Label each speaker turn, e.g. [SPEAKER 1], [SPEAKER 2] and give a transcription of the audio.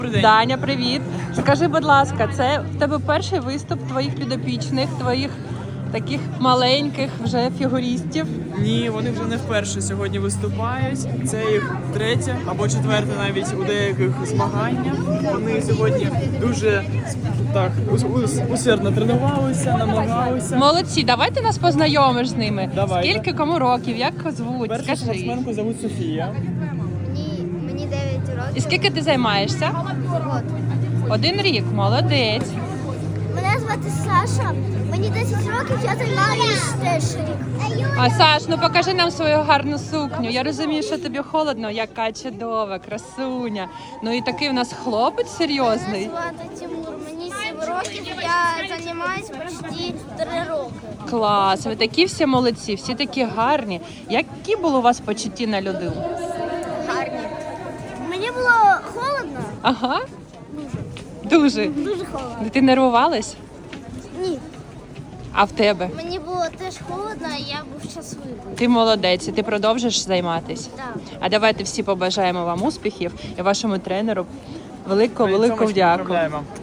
[SPEAKER 1] Даня, привіт. Скажи, будь ласка, це в тебе перший виступ твоїх підопічних, твоїх таких маленьких вже фігуристів?
[SPEAKER 2] Ні, вони вже не вперше сьогодні виступають. Це їх третє або четверте навіть у деяких змаганнях. Вони сьогодні дуже так усердно тренувалися, намагалися.
[SPEAKER 1] Молодці, давайте нас познайомиш з ними.
[SPEAKER 2] Давайте.
[SPEAKER 1] Скільки кому років, як звуть?
[SPEAKER 2] Першу
[SPEAKER 1] Скажи.
[SPEAKER 2] спортсменку звуть Софія.
[SPEAKER 3] Мені 9 років.
[SPEAKER 1] І скільки ти займаєшся?
[SPEAKER 3] От.
[SPEAKER 1] 1 рік, молодець.
[SPEAKER 3] Мене звати Саша. Мені 10 років, я займаюся теж рік.
[SPEAKER 1] А Саш, ну покажи нам свою гарну сукню. Я розумію, що тобі холодно, яка чудова, красуня. Ну і такий в нас хлопець серйозний.
[SPEAKER 3] Мене звати Тимур. Мені 7 років, я займаюся почти 3 роки.
[SPEAKER 1] Клас, ви такі всі молодці, всі такі гарні. Які були у вас почутті на льоду?
[SPEAKER 3] Гарні. Мені було холодно.
[SPEAKER 1] Ага. Дуже.
[SPEAKER 3] Дуже холодно.
[SPEAKER 1] Ти нервувалась?
[SPEAKER 3] Ні.
[SPEAKER 1] А в тебе?
[SPEAKER 3] Мені було теж холодно, і я був щасливий.
[SPEAKER 1] Ти молодець, і ти продовжиш займатися.
[SPEAKER 3] Так.
[SPEAKER 1] А давайте всі побажаємо вам успіхів і вашому тренеру велику
[SPEAKER 2] Ми
[SPEAKER 1] дяку.
[SPEAKER 2] поздравляємо.